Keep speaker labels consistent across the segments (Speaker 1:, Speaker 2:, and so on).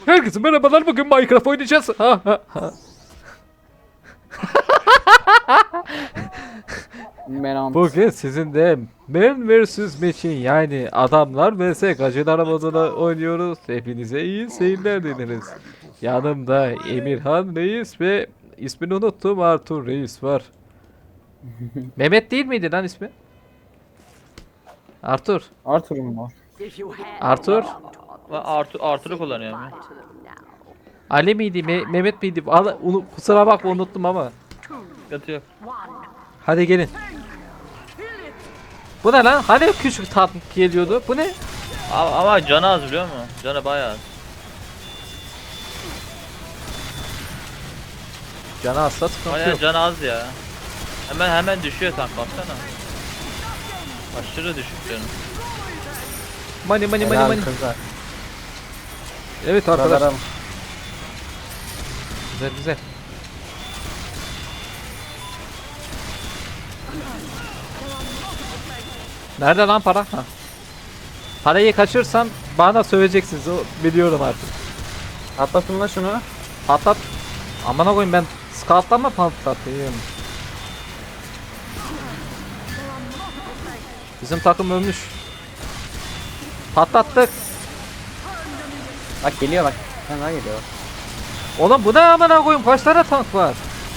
Speaker 1: Herkese merhabalar, bugün Minecraft oynayacağız. Ha ha ha.
Speaker 2: Menant.
Speaker 1: Bugün sizin de Man vs Machine, yani adamlar vs gacılar modunu oynuyoruz. Hepinize iyi seyirler dileriz. Yanımda Emirhan Reis ve ismini unuttum, Artur Reis var. Mehmet değil miydi lan ismi? Artur.
Speaker 2: Arthur'um mu?
Speaker 1: Artur.
Speaker 3: Ben Arthur'u kullanıyorum ya.
Speaker 1: Ali miydi? Mehmet miydi? Kusura bakma, unuttum ama.
Speaker 3: Sıkıntı yok.
Speaker 1: Hadi gelin. Bu ne lan? Hani küçük tatlı geliyordu? Bu ne?
Speaker 3: Ama canı az biliyor musun? Canı bayağı az.
Speaker 1: Canı hasta, sıkıntı
Speaker 3: Bayağı
Speaker 1: yok.
Speaker 3: canı az ya. Hemen düşüyor tank, baksana. Aşırı düşük canı.
Speaker 1: Money.
Speaker 2: Helal kızlar.
Speaker 1: Evet arkadaşlar.
Speaker 2: Kızlarım.
Speaker 1: Güzel. Nerede lan para? Ha. Parayı kaçırsam bana söveceksiniz, o biliyorum artık.
Speaker 2: Atlasın da şunu.
Speaker 1: Patlat. Amına koyayım, ben scout'tan mı patlatayım? Bizim takım ölmüş. Patlattık.
Speaker 2: Bak geliyor bak. Sen daha geliyor.
Speaker 1: Oğlum bu ne amına koyayım, kaç tane tank var?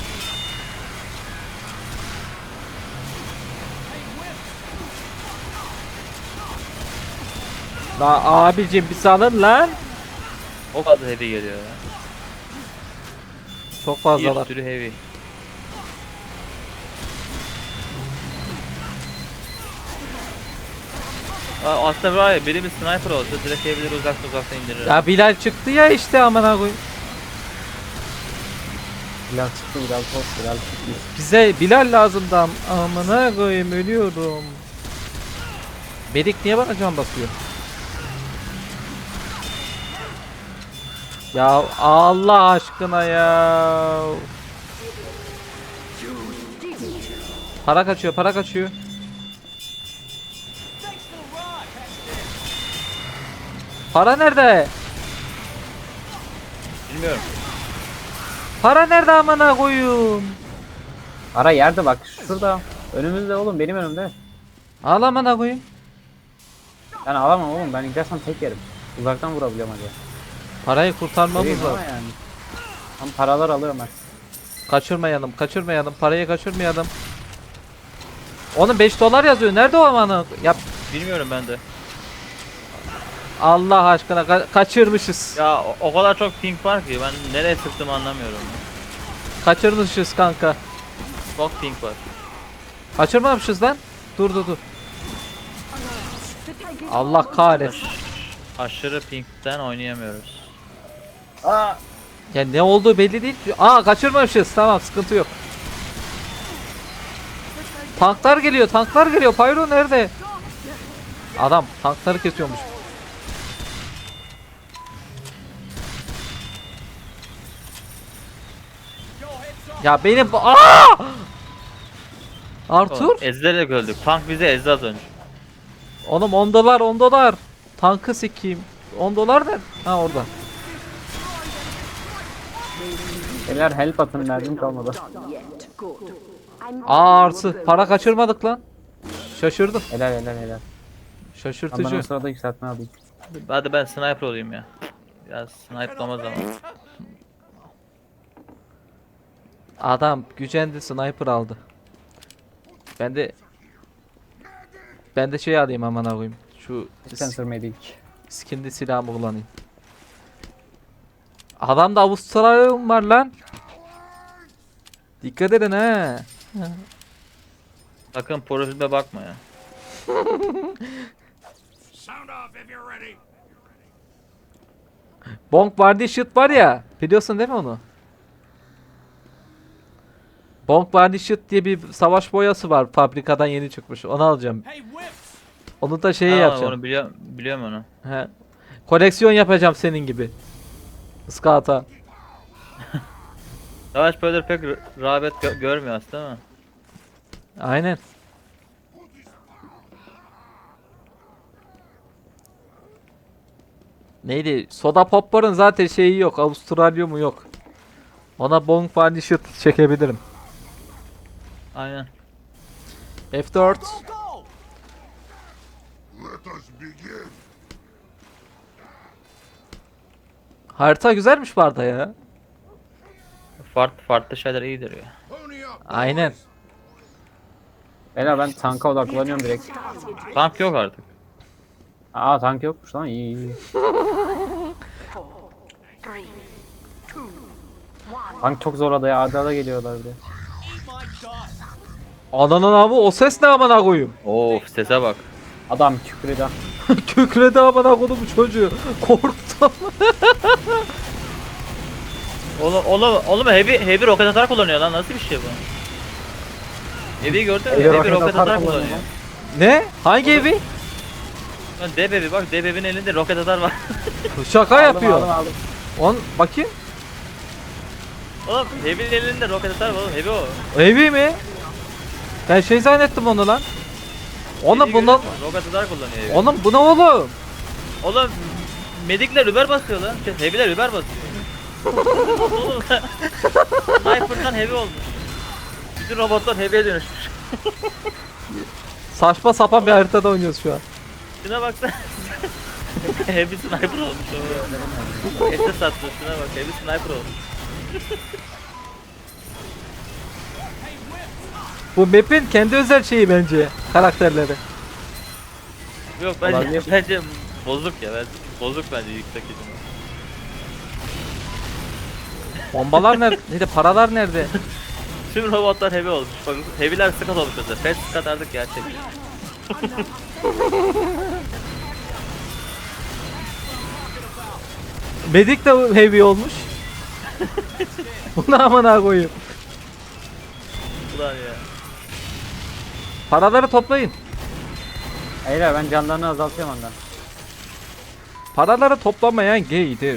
Speaker 1: La abicim bir salın lan.
Speaker 3: O kadar heavy geliyor ya.
Speaker 1: Çok
Speaker 3: Bir
Speaker 1: fazlalar.
Speaker 3: sürü heavy. Aslında var ya, biri bir sniper olsa direkt heavy'leri uzaktan indirir.
Speaker 1: Ya Bilal çıktı ya işte, amına koyayım.
Speaker 2: Bilal çıktı Bilal top Bilal çıktı.
Speaker 1: Bize Bilal lazımdı, amına koyayım, ölüyorum. Medik niye bana can basıyor? Ya Allah aşkına ya. Para kaçıyor. Para nerede?
Speaker 3: Bilmiyorum.
Speaker 1: Para nerede amına koyayım?
Speaker 2: Ara yerde bak şurada. Önümüzde oğlum benim önümde.
Speaker 1: Al amına koyayım.
Speaker 2: Ben alamam oğlum ben gidersem tek yerim. Uzaktan vurabiliyorum hadi.
Speaker 1: Parayı kurtarmamız
Speaker 2: Vereyim ama
Speaker 1: lazım.
Speaker 2: yani. Tam paralar alıyorum ben.
Speaker 1: Kaçırmayalım. Parayı kaçırmayalım. Onun 5 dolar yazıyor. Nerede o amına? Ya
Speaker 3: Bilmiyorum ben de.
Speaker 1: Allah aşkına kaçırmışız.
Speaker 3: Ya o kadar çok ping var ki ben nereye sıktım anlamıyorum.
Speaker 1: Kaçırmışız kanka.
Speaker 3: Çok ping var.
Speaker 1: Kaçırmamışız lan. Dur. Allah kahretsin.
Speaker 3: Aşırı pingden oynayamıyoruz.
Speaker 2: Aa!
Speaker 1: Ya ne olduğu belli değil. Kaçırmamışız. Tamam, sıkıntı yok. Tanklar geliyor. Pyro nerede? Adam tankları kesiyormuş. Ya benim Artur?
Speaker 3: Oğlum, ezilerek öldük. Tank bizi ezdi az önce.
Speaker 1: Oğlum 10 dolar. Tankı sikeyim. 10 dolar ne? Ha, orada.
Speaker 2: Beyler help atın mermim kalmadı.
Speaker 1: Artı. Para kaçırmadık lan. Şaşırdım.
Speaker 2: Helal. Ben o
Speaker 1: Şaşırtıcı.
Speaker 2: sırada yükseltme alayım.
Speaker 3: Hadi ben sniper olayım ya. Biraz sniperlama zamanı.
Speaker 1: Adam gücendi, sniper aldı. Ben de şey alayım amına koyayım. Şu
Speaker 2: Sensor medic.
Speaker 1: skinli silahımı kullanayım. Adamda Avustralya'm var lan. Dikkat edin ha.
Speaker 3: Sakın profilime bakma ya.
Speaker 1: Bonk Bardi Shit var ya. Biliyorsun değil mi onu? Bonk Bardi Shit diye bir savaş boyası var. Fabrikadan yeni çıkmış. Onu alacağım. Onu da şeyi yapacağım.
Speaker 3: Onu biliyorum onu.
Speaker 1: He. Koleksiyon yapacağım senin gibi. Iskata.
Speaker 3: Savaş böyle pek rağbet görmüyor aslında değil mi?
Speaker 1: Aynen. Neydi? Soda Pop'ların zaten şeyi yok. Avustralyumu yok. Ona Bong Vanished çekebilirim.
Speaker 3: Aynen.
Speaker 1: F4. Harita güzelmiş bu arada ya.
Speaker 3: Farklı şeyler iyidir ya.
Speaker 1: Aynen.
Speaker 2: Beyler ben tanka odaklanıyorum direkt.
Speaker 3: Tank yok artık.
Speaker 2: Aa tank yokmuş lan, iyi iyi. Tank çok zor adaya, adada geliyorlar bir de.
Speaker 1: Ananın avı o ses ne amına koyayım.
Speaker 3: Of sese bak.
Speaker 2: Adam kükredi.
Speaker 1: Kükredi amına koydum bu çocuğu. Korktum.
Speaker 3: Oğlum heavy roket atar kullanıyor lan, nasıl bir şey bu? Heavy'yi gördün mü? Heavy roket atar kullanıyor.
Speaker 1: Ne? Hangi evi?
Speaker 3: Lan Debebi bak, Debebi'nin elinde roket atar var.
Speaker 1: Şaka yapıyor.
Speaker 2: Aldım.
Speaker 1: On bakayım.
Speaker 3: Oğlum Heavy'nin elinde roket atar var oğlum, Heavy o.
Speaker 1: Evi mi? Ben şey zannettim onu lan. Oğlum
Speaker 3: Heavy'yi
Speaker 1: bundan
Speaker 3: görüyor musun? Roket atar kullanıyor Heavy.
Speaker 1: oğlum bu ne oğlum?
Speaker 3: Oğlum medikler Uber basıyor lan. Heavy'ler Uber basıyor. Oğlum Sniper'dan Heavy olmuş. Bütün robotlar Heavy'ye dönüşmüş.
Speaker 1: Saçma sapan bir haritada oynuyoruz şu an.
Speaker 3: Şuna baksana. Heavy sniper olmuş o. Ete sattı, şuna bak, Heavy sniper olmuş.
Speaker 1: Bu map'in kendi özel şeyi bence karakterleri.
Speaker 3: Yok
Speaker 2: Olabilir.
Speaker 3: bence bozuk ya, bozuk bence yüksek ihtimal.
Speaker 1: Bombalar nerede? Paralar nerede?
Speaker 3: Tüm robotlar Heavy olmuş. Bak Heavy'ler Scott olmuş mesela. Fast Scott artık gerçek.
Speaker 1: Medik de heavy olmuş. Bunu amına koyayım.
Speaker 3: Ulan ya.
Speaker 1: Paraları toplayın.
Speaker 2: Hayır ben canlarını azaltıyorum ondan.
Speaker 1: Paraları toplamayan gaydir.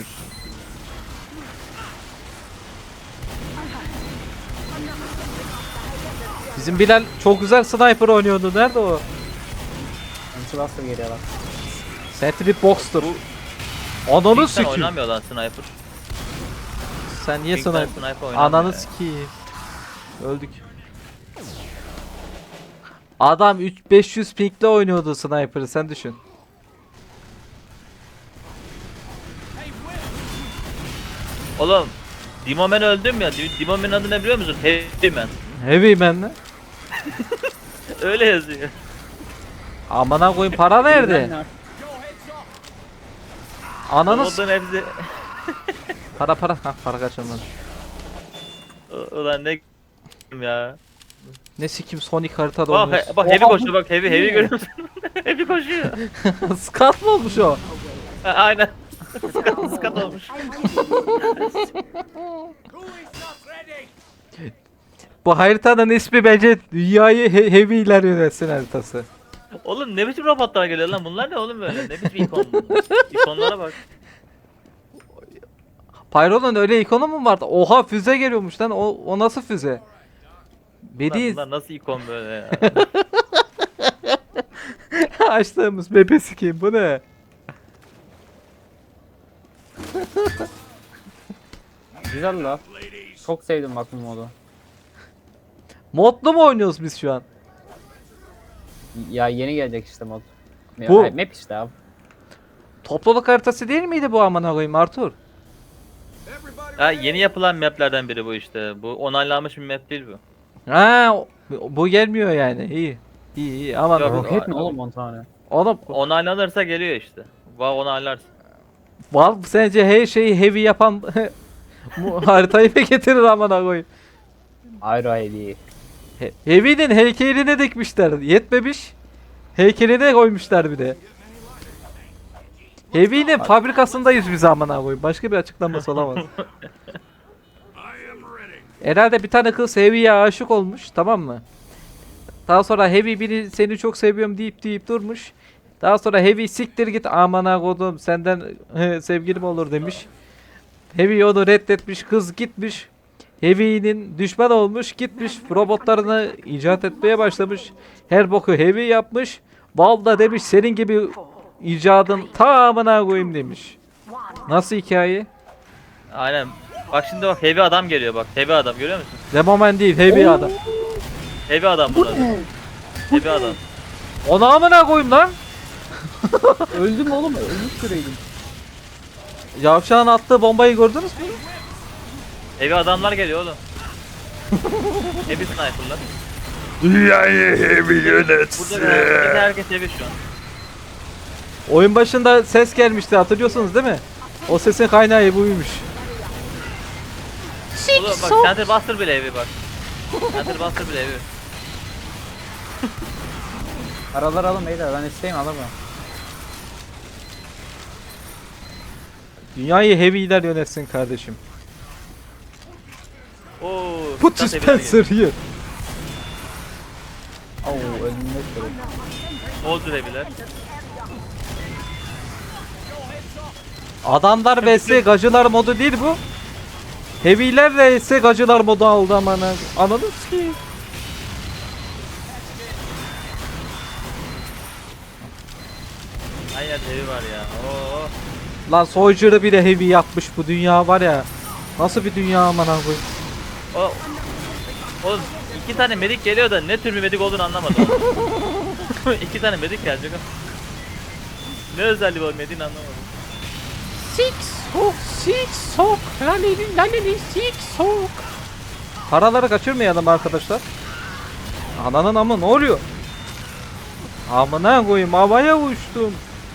Speaker 1: Bizim Bilal çok güzel sniper oynuyordu. Nerede o?
Speaker 2: Anti-Buster geliyor bak.
Speaker 1: Sentry Box'tur. Ananı
Speaker 3: Sen
Speaker 1: sikeyim.
Speaker 3: oynamıyor lan sniper.
Speaker 1: Sen niye
Speaker 3: Pink'ten
Speaker 1: sniper?
Speaker 3: sniper oynamıyor
Speaker 1: Ananı
Speaker 3: ya.
Speaker 1: sikeyim. Öldük. Adam 500 pinkle oynuyordu sniper'ı, sen düşün.
Speaker 3: Oğlum Demoman öldüm ya. Demoman'ın adı ne biliyor musun? Heavy Man.
Speaker 1: Heavy man'le.
Speaker 3: Öyle yazıyor.
Speaker 1: Amına koyayım, para nerede? Ananı
Speaker 3: Robotların hepsi...
Speaker 1: para. Ha, para kaçırmadım.
Speaker 3: Ulan ne ya.
Speaker 1: Ne sikim Sonic haritada
Speaker 3: Bak,
Speaker 1: oynuyorsun.
Speaker 3: bak Heavy koşuyor, bak Heavy görüyor musun? Heavy koşuyor.
Speaker 1: Skat mı olmuş o?
Speaker 3: Ha, aynen. Skat olmuş.
Speaker 1: Bu haritanın ismi bence dünyayı heavy'ler yönetsin haritası.
Speaker 3: Oğlum ne biçim robotlar geliyor lan, bunlar ne oğlum böyle? Ne biçim ikon bunlar? İkonlara bak.
Speaker 1: Pyro'nun öyle ikonu mu vardı? Oha, füze geliyormuş lan. O nasıl füze?
Speaker 3: Lan
Speaker 1: Bedi
Speaker 3: bunlar nasıl ikon böyle ya?
Speaker 1: açtığımız bebe sikeyim, bu ne?
Speaker 2: Güzel la. Çok sevdim bak bu modu.
Speaker 1: Modlu mu oynuyoruz biz şu an?
Speaker 2: Ya yeni gelecek işte mod.
Speaker 1: Bu-
Speaker 2: Hayır, map işte abi.
Speaker 1: Topluluk haritası değil miydi bu amına koyayım Artur?
Speaker 3: Ha, yeni yapılan maplerden biri bu işte. Bu onaylanmış bir map değil bu.
Speaker 1: Ha, bu gelmiyor yani. İyi ama
Speaker 3: Yok.
Speaker 2: Roket mi oğlum 10 tane?
Speaker 1: oğlum,
Speaker 3: Onaylanırsa geliyor işte. Onaylarsın.
Speaker 1: Valve sence her şeyi heavy yapan bu haritayı mı getirir amına koyayım?
Speaker 2: Ayrı heavy.
Speaker 1: Heavy'nin heykelini dikmişler. Yetmemiş. Heykeline koymuşlar bir de. Heavy'nin fabrikasındayız biz amına koyayım. Başka bir açıklaması olamaz. Herhalde bir tane kız Heavy'ye aşık olmuş, tamam mı? Daha sonra Heavy biri seni çok seviyorum deyip durmuş. Daha sonra Heavy siktir git amına kodum senden sevgilim olur demiş. Heavy onu reddetmiş, kız gitmiş. Heavy'nin düşman olmuş, gitmiş robotlarını icat etmeye başlamış. Her boku Heavy yapmış. Valve da demiş senin gibi icadın tamamına koyayım demiş. Nasıl hikaye?
Speaker 3: Aynen. Bak şimdi bak heavy adam geliyor bak. Heavy adam görüyor musun?
Speaker 1: Demoman değil, heavy adam.
Speaker 3: Heavy adam bunlar. Heavy adam.
Speaker 1: Onu amına koyayım lan.
Speaker 2: Öldüm oğlum, ölmüş süreydim.
Speaker 1: Yavşağın attığı bombayı gördünüz mü?
Speaker 3: Heavy adamlar geliyor oğlum. Heavy sniper'lar.
Speaker 1: Dünyayı heavy
Speaker 3: Burada herkes heavy şu an.
Speaker 1: Oyun başında ses gelmişti, hatırlıyorsunuz değil mi? O sesin kaynağı buymuş.
Speaker 3: Oğlum bak Center Buster bile heavy bak. Center Buster bile heavy.
Speaker 2: Paralar alın beyler, ben isteyeyim alamam.
Speaker 1: Dünyayı heavy'ler yönetsin kardeşim.
Speaker 3: Oo.
Speaker 1: Put
Speaker 3: stat heavy'ler
Speaker 1: Spencer here.
Speaker 2: Oo, önümde süreyim.
Speaker 3: geliyor. Soldier heavy'ler.
Speaker 1: Adamlar vs gacılar modu değil bu. Heavy'ler vs gacılar modu aldı aman. Anladınız ki.
Speaker 3: Aynen heavy var ya. Oo.
Speaker 1: Lan Soldier'ı bile heavy yapmış bu dünya var ya. Nasıl bir dünya aman koyayım.
Speaker 3: O. Oğlum 2 tane medik geliyor da ne tür bir medik olduğunu anlamadım. 2 tane medik gelecek. Ne özelliği var mediğin anlamadım.
Speaker 1: Six sok, laleli six sok. Paraları kaçırmayalım arkadaşlar. Ananın amı ne oluyor? Amına koyayım, havaya uçtum.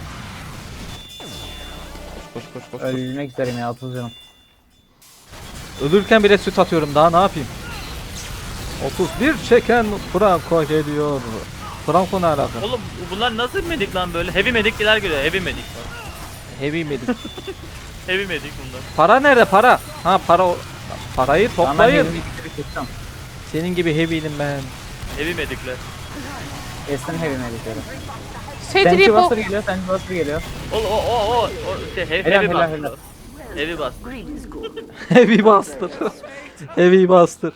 Speaker 1: Koş koş koş koş.
Speaker 2: Ölmek üzereyim ya, 30 canım.
Speaker 1: Ölürken bile süt atıyorum, daha ne yapayım? 31 çeken Franco geliyor. Franco ne alaka?
Speaker 3: Oğlum bunlar nasıl medik lan böyle? Heavy medikler geliyor. Heavy medik.
Speaker 1: Heavy medik.
Speaker 3: Heavy medik bunlar.
Speaker 1: Para nerede para? Ha para parayı
Speaker 2: Tamam, ben
Speaker 1: toplayın.
Speaker 2: elimi bitirip geçeceğim.
Speaker 1: Senin gibi heavy'lim ben.
Speaker 3: Heavy medikler.
Speaker 2: Kestim heavy medikleri. Sentry Buster geliyor, Sentry Buster geliyor.
Speaker 3: O şey
Speaker 2: Helal,
Speaker 3: heavy
Speaker 2: helal,
Speaker 3: bastı.
Speaker 2: helal.
Speaker 3: Heavy bastı.
Speaker 1: Heavy Buster. Heavy Buster.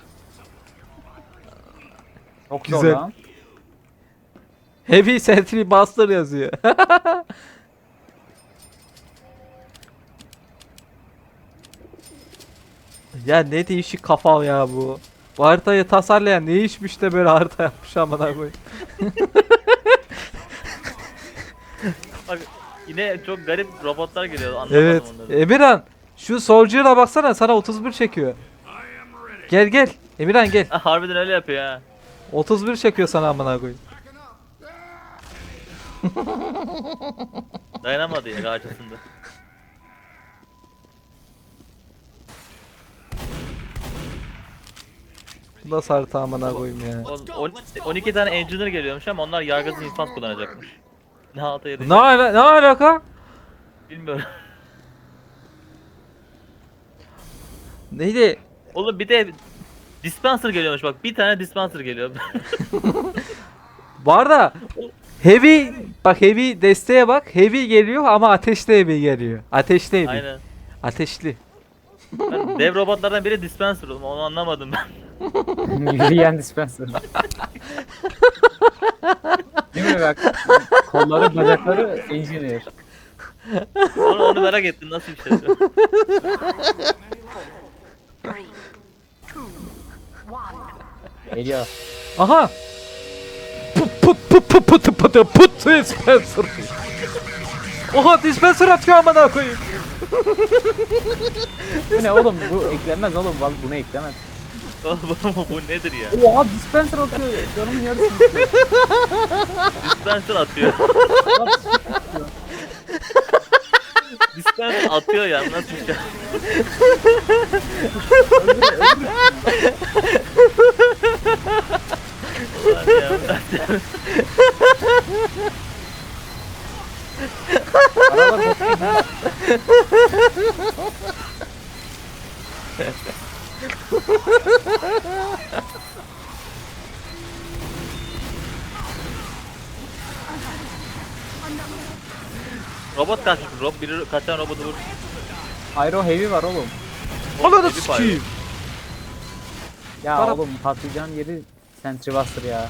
Speaker 2: Çok
Speaker 1: Güzel.
Speaker 2: zor lan.
Speaker 1: Heavy Sentry Buster yazıyor. Ya ne değişik kafa ya bu. Bu haritayı tasarlayan ne işmiş de böyle harita yapmış amına koyayım.
Speaker 3: Bak yine çok garip robotlar geliyor. Anlamadım
Speaker 1: Evet.
Speaker 3: onları.
Speaker 1: Emirhan şu Soldier'a baksana, sana 31 çekiyor. Gel gel. Emirhan gel.
Speaker 3: Ha, harbiden öyle yapıyor ha.
Speaker 1: 31 çekiyor sana amına koyayım.
Speaker 3: Dayanamadı ya karşısında.
Speaker 1: Bu da harita amına koyayım ya.
Speaker 3: 12 tane engineer geliyormuş ama onlar yargısız infaz kullanacakmış. Ne alta yarayacak
Speaker 1: Ne alaka?
Speaker 3: bilmiyorum.
Speaker 1: Neydi?
Speaker 3: Oğlum bir de dispenser geliyormuş bak. Bir tane dispenser geliyor.
Speaker 1: Bu arada heavy bak, heavy desteğe bak, heavy geliyor ama ateşli heavy geliyor. Ateşli heavy.
Speaker 3: Aynen.
Speaker 1: Ateşli.
Speaker 3: Ben dev robotlardan biri dispenser oğlum. Onu anlamadım ben.
Speaker 2: Yürüyen dispenser. Değil mi bak? Kolları, bacakları engineer.
Speaker 3: Onu merak ettim nasıl bir şey.
Speaker 2: Geliyor.
Speaker 1: Aha. Put dispenser. Oha, dispenser atıyor amına koyayım.
Speaker 2: Bu ne oğlum? Bu eklenmez oğlum. Bak bunu eklemez.
Speaker 3: Oğlum bu nedir ya?
Speaker 2: Oha, dispenser atıyor. Canımın yarısı.
Speaker 3: Dispenser atıyor. Dispenser atıyor ya nasıl bir şey? Ulan ya.
Speaker 2: Aralar bakıyor.
Speaker 3: Robot kaçmış. Biri kaçan robotu vur.
Speaker 2: Aero heavy var oğlum.
Speaker 1: Ananı
Speaker 3: Heavy fire.
Speaker 1: sikeyim.
Speaker 2: Ya
Speaker 1: Para-
Speaker 2: oğlum patlayacağın yeri Sentry Buster ya.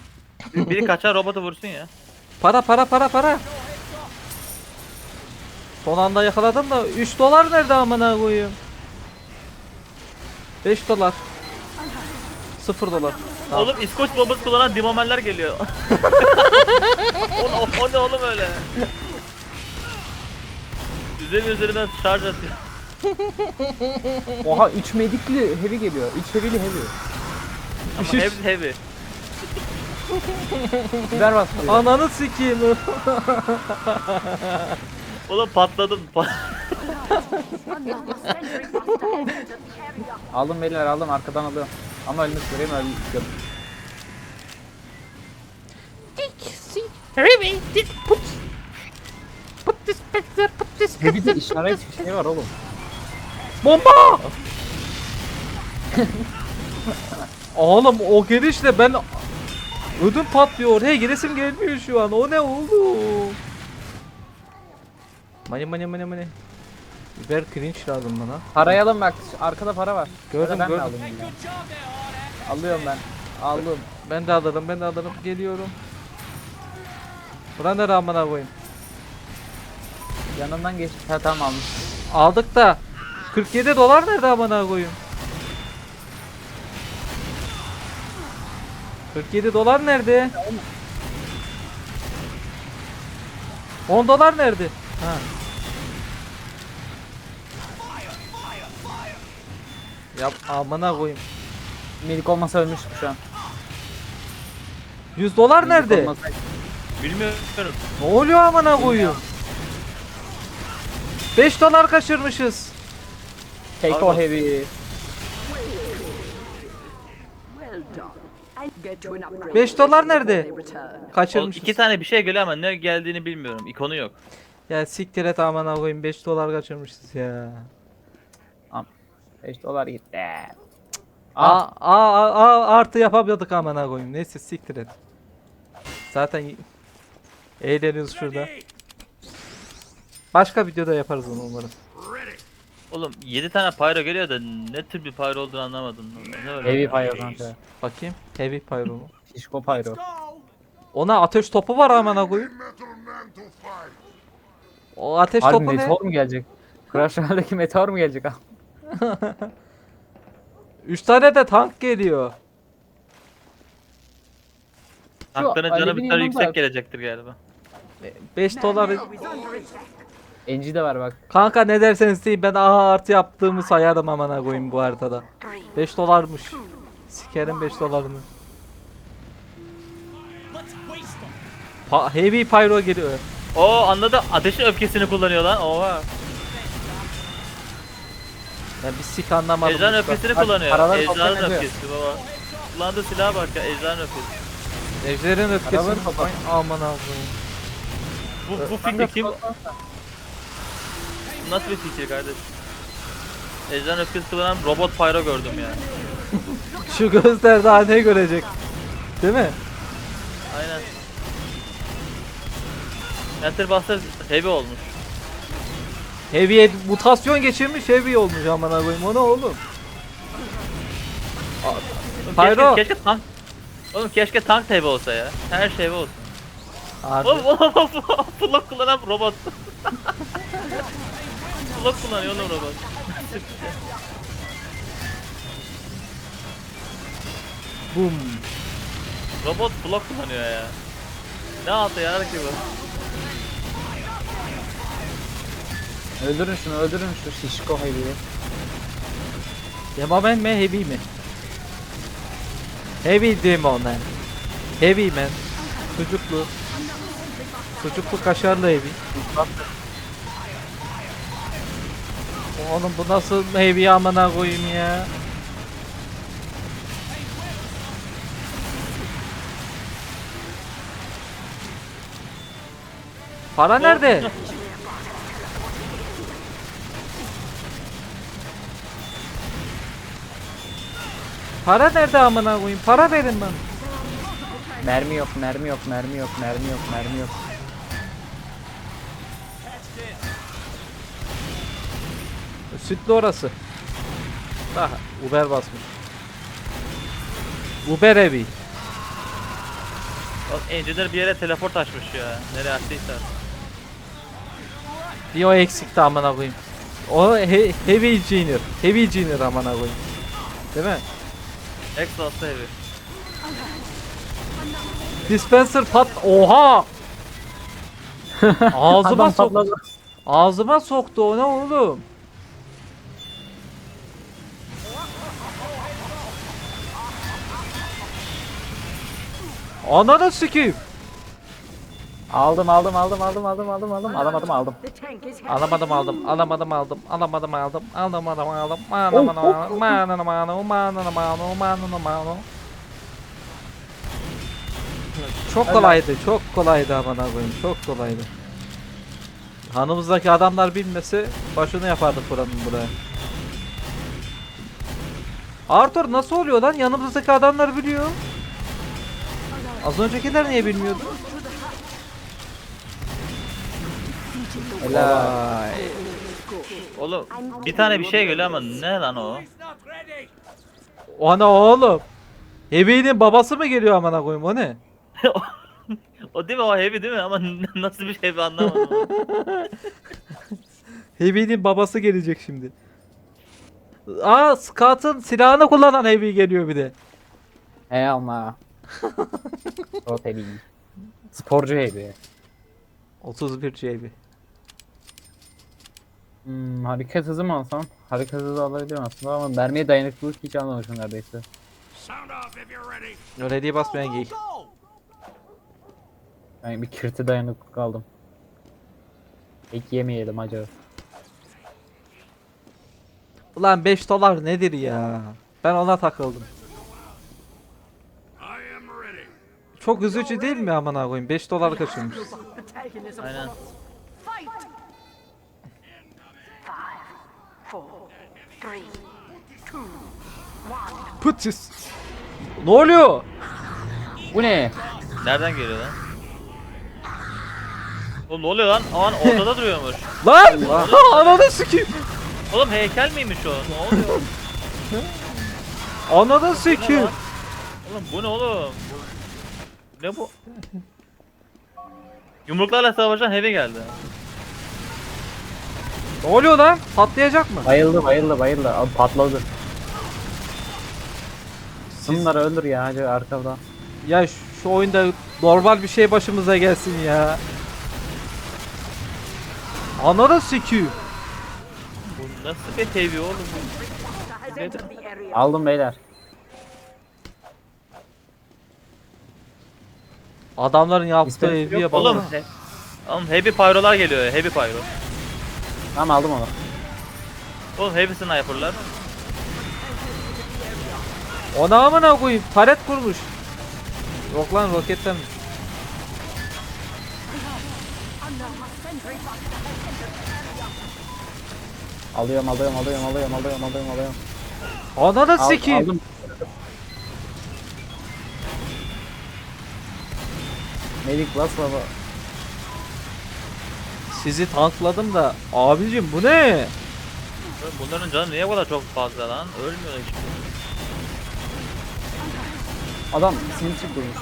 Speaker 3: Biri kaçan robotu vursun ya.
Speaker 1: Para. Son anda yakaladım da 3 dolar nerede amına koyayım? 5 dolar. 0 dolar. Tamam.
Speaker 3: Oğlum İskoç bombası kullanan dimomeller geliyor. o ne oğlum öyle? Üzerinden şarj atıyor.
Speaker 2: Oha 3 medikli heavy geliyor. 3 heavy'li heavy.
Speaker 3: Ama hepsi heavy.
Speaker 2: Biber bastırıyor.
Speaker 1: Ananı sikeyim.
Speaker 3: Oğlum patladım.
Speaker 2: Aldım beyler aldım arkadan alıyorum. Ama ölmek üzereyim öldüm. Heavy'de işaret bir şey var oğlum.
Speaker 1: Bomba! Oğlum o girişle ben ödüm patlıyor. Oraya giresim gelmiyor şu an. O ne oğlum? Mani. Biber cringe lazım bana.
Speaker 2: Parayı alın bak arkada para var.
Speaker 1: Gördüm,
Speaker 2: Ya da ben mi
Speaker 1: gördüm.
Speaker 2: alayım ya? Alıyorum ben. Aldım.
Speaker 1: Ben de alırım. Geliyorum. Buna ne rağmen koyayım.
Speaker 2: Yanından geçti. Ha tamam almış.
Speaker 1: Aldık da 47 dolar nerede amına koyayım? 47 dolar nerede? 10 dolar nerede? Ha. Yap amına koyayım.
Speaker 2: Melik olmasa ölmüştük şu an.
Speaker 1: 100 dolar
Speaker 2: Melik
Speaker 1: nerede?
Speaker 2: olmasa-
Speaker 3: Bilmiyorum.
Speaker 1: Ne oluyor amına koyayım? 5 dolar kaçırmışız.
Speaker 2: Take o heavy.
Speaker 1: 5 dolar nerede?
Speaker 3: Oğlum
Speaker 1: Kaçırmışız.
Speaker 3: 2 tane bir şey geliyor ama ne geldiğini bilmiyorum. İkonu yok.
Speaker 1: Ya siktir et amına koyayım 5 dolar kaçırmışız ya.
Speaker 2: 5 dolar gitti.
Speaker 1: Artı yapamıyorduk amına koyayım. Neyse siktir et. Zaten eğleniyoruz şurada. Başka videoda yaparız onu umarım.
Speaker 3: Oğlum 7 tane pyro geliyor da ne tür bir pyro olduğunu anlamadım. Ne öyle?
Speaker 2: Heavy pyro kanka.
Speaker 1: Bakayım. Heavy pyro mu?
Speaker 2: Şişko pyro.
Speaker 1: Ona ateş topu var amına koyayım. O ateş
Speaker 2: Harbi
Speaker 1: topu ne?
Speaker 2: meteor mu gelecek? Crash Royale'deki meteor mu gelecek abi?
Speaker 1: 3 tane de tank geliyor.
Speaker 3: Tankların canı
Speaker 2: Alev'in
Speaker 3: bir tane
Speaker 2: yanında-
Speaker 3: yüksek gelecektir galiba.
Speaker 1: 5 dolar.
Speaker 2: Enci de var bak.
Speaker 1: Kanka ne derseniz deyin ben A artı yaptığımı sayarım amına koyayım bu haritada. 5 dolarmış. Sikerim 5 dolarını. Heavy pyro geliyor.
Speaker 3: Oo anladı. Ateşin öfkesini kullanıyor lan. Oha.
Speaker 1: Ben bir sik anlamadım.
Speaker 3: Ejder'in
Speaker 1: usta.
Speaker 3: öfkesini
Speaker 2: Bak,
Speaker 3: kullanıyor.
Speaker 2: paraları
Speaker 3: Ejder'in
Speaker 2: toplam ediyor.
Speaker 3: öfkesi baba. Kullandığı silaha bak ya. Ejder'in öfkesi.
Speaker 1: Ejder'in öfkesini.
Speaker 2: Arabanı kapat.
Speaker 1: Ay, aman Allah'ım.
Speaker 3: Bu fikri kim? Nasıl bir fikir kardeş? Ejder'in öfkesi kullanan robot pyro gördüm ya.
Speaker 1: Şu gözler daha ne görecek? Değil mi?
Speaker 3: Aynen. Enter Buster heavy olmuş.
Speaker 1: Heavy'ye mutasyon geçirmiş heavy olmuş aman koyayım. O ne oğlum?
Speaker 3: Oğlum
Speaker 1: Pyro.
Speaker 3: Keşke tank. Oğlum keşke tank da heavy olsa ya. Her şey heavy olsun.
Speaker 1: Abi.
Speaker 3: Oğlum flock kullanan robot. Flock kullanıyor oğlum robot.
Speaker 1: Boom.
Speaker 3: Robot flock kullanıyor ya. Ne altı yarar ki bu?
Speaker 2: Öldürün şu şişko heavy'yi.
Speaker 1: Demoman mi heavy mi? Heavy Demon man. Heavy man. Sucuklu. Sucuklu kaşarlı heavy. Oğlum bu nasıl heavy amına koyayım ya? Para nerede? Para nerede amına koyayım? Para verin bana.
Speaker 2: Mermi yok.
Speaker 1: Sütlü orası. Daha Uber basmış. Uber evi.
Speaker 3: Engineer bir yere teleport açmış ya. Nereye açtıysa.
Speaker 1: Bir o eksikti amına koyayım. O Heavy Engineer. Heavy Engineer amına koyayım. Değil mi?
Speaker 3: Exhaust'ta heavy.
Speaker 1: Dispenser pat. Oha! Ağzıma
Speaker 2: Adam
Speaker 1: soktu.
Speaker 2: patladı.
Speaker 1: Ağzıma soktu o ne oğlum? Ananı sikeyim.
Speaker 2: Aldım. Alamadım aldım.
Speaker 1: Alamadım aldım. Alamadım aldım. Çok kolaydı, çok kolaydı amına koyayım, çok kolaydı. Hanımızdaki adamlar bilmese başını yapardık buranın buraya. Arthur nasıl oluyor lan? Yanımızdaki adamlar biliyor. Az öncekiler niye bilmiyordu?
Speaker 2: Helal.
Speaker 3: Oğlum bir tane bir şey geliyor ama ne lan o?
Speaker 1: Ana oğlum. Heavy'nin babası mı geliyor amına koyayım o ne?
Speaker 3: O değil mi, o heavy değil mi ama nasıl bir heavy anlamadım.
Speaker 1: Heavy'nin babası gelecek şimdi. Aa Scott'ın silahını kullanan Heavy geliyor bir de.
Speaker 2: He ama. O tabii. Sporcu heavy.
Speaker 1: 31 JB.
Speaker 2: Hareket hızı mı alsam? Hareket hızı alabiliyorum aslında ama mermiye dayanıklılık hiç almamışım neredeyse.
Speaker 1: Öyle diye basmayan geyik.
Speaker 2: Yani bir kirti dayanıklık aldım. Pek yemeyelim acaba.
Speaker 1: Ulan 5 dolar nedir ya? Ben ona takıldım. Çok üzücü değil mi amına koyayım? 5 dolar kaçırmış.
Speaker 3: Aynen.
Speaker 1: Pıtıs. Ne oluyor?
Speaker 2: Bu ne?
Speaker 3: Nereden geliyor lan? Oğlum ne oluyor lan? Aman ortada duruyormuş.
Speaker 1: Lan! Ananı sikeyim.
Speaker 3: Oğlum heykel miymiş o? Ne oluyor?
Speaker 1: Ananı
Speaker 3: Bu ne
Speaker 1: sikeyim.
Speaker 3: lan? Oğlum bu ne oğlum? Ne bu? Yumruklarla savaşan heavy geldi.
Speaker 1: Ne oluyor lan? Patlayacak mı?
Speaker 2: Bayıldı. Abi patladı. Bunları öldür ya hadi arkadan.
Speaker 1: Ya şu oyunda normal bir şey başımıza gelsin ya. Ananı sikeyim.
Speaker 3: Bu nasıl bir heavy oğlum? Nedir?
Speaker 2: Aldım beyler.
Speaker 1: Adamların yaptığı
Speaker 2: İstemsi
Speaker 1: eviye
Speaker 2: yok
Speaker 1: bak.
Speaker 3: Oğlum, oğlum heavy pyrolar geliyor. Heavy pyro.
Speaker 2: Tamam aldım onu.
Speaker 3: Oğlum heavy sniper'lar.
Speaker 1: Ona amına koyayım. Taret kurmuş. Yok lan roketten.
Speaker 2: Alıyorum.
Speaker 1: Ananı sikeyim.
Speaker 2: Aldım. Melik bas baba.
Speaker 1: Sizi tankladım da abicim bu ne?
Speaker 3: Oğlum bunların canı niye bu kadar çok fazla lan? Ölmüyor hiç.
Speaker 2: Adam sinsi kurmuş.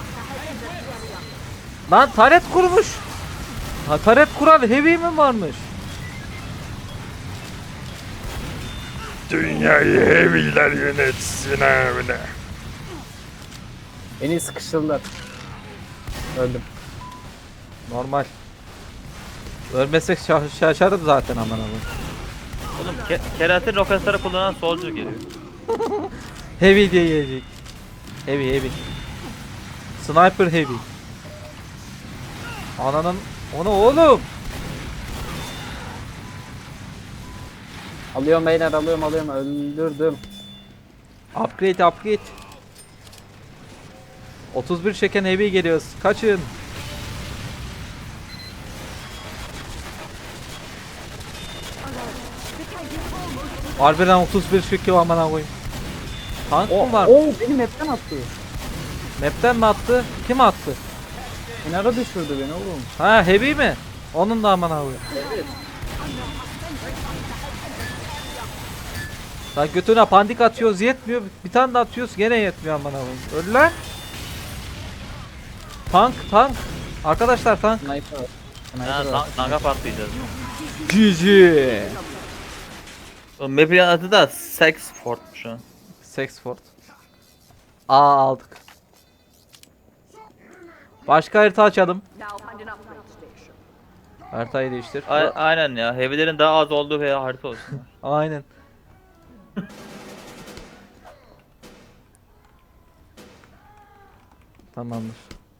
Speaker 1: Lan taret kurmuş. Ha taret kuran heavy mi varmış?
Speaker 4: Dünyayı heavy'ler yönetsin abi.
Speaker 2: Beni sıkıştırdılar. Öldüm.
Speaker 1: Normal. Ölmesek şaşarım zaten aman aman.
Speaker 3: Oğlum keratin roketleri kullanan soldier geliyor.
Speaker 1: Heavy diye gelecek. Heavy. Sniper heavy. Ananın onu oğlum.
Speaker 2: Alıyorum beyler alıyorum. Öldürdüm.
Speaker 1: Upgrade. 31 çeken heavy geliyoruz. Kaçın. Harbiden 31 çekiyor aman koyayım. Tank mı var?
Speaker 2: Beni map'ten attı.
Speaker 1: Map'ten mi attı? Kim attı?
Speaker 2: Kenara düşürdü beni oğlum.
Speaker 1: Ha heavy mi? Onun da aman koyayım. Lan götüne pandik atıyoruz yetmiyor. Bir tane de atıyoruz gene yetmiyor aman koyayım. Öl lan. Tank. Arkadaşlar tank.
Speaker 2: Sniper.
Speaker 3: Ha,
Speaker 2: Sniper var.
Speaker 3: Naga patlayacağız.
Speaker 1: GG.
Speaker 3: O map'in adı da Sexford şu an.
Speaker 1: Sexford. Aa aldık. Başka harita açalım. Haritayı değiştir.
Speaker 3: Aynen ya. Heavy'lerin daha az olduğu bir harita olsun.
Speaker 1: Aynen. Tamamdır.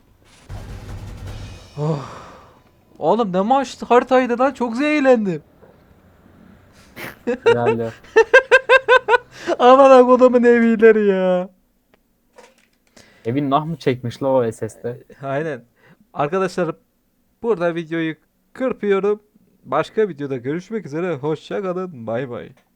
Speaker 1: Oh. Oğlum ne maç haritaydı lan, çok eğlendim.
Speaker 2: Güzeldi.
Speaker 1: Aman kodumun evileri ya.
Speaker 2: Evin nah mı çekmiş la o SS'de?
Speaker 1: Aynen. Arkadaşlar burada videoyu kırpıyorum. Başka videoda görüşmek üzere. Hoşça kalın. Bay bay.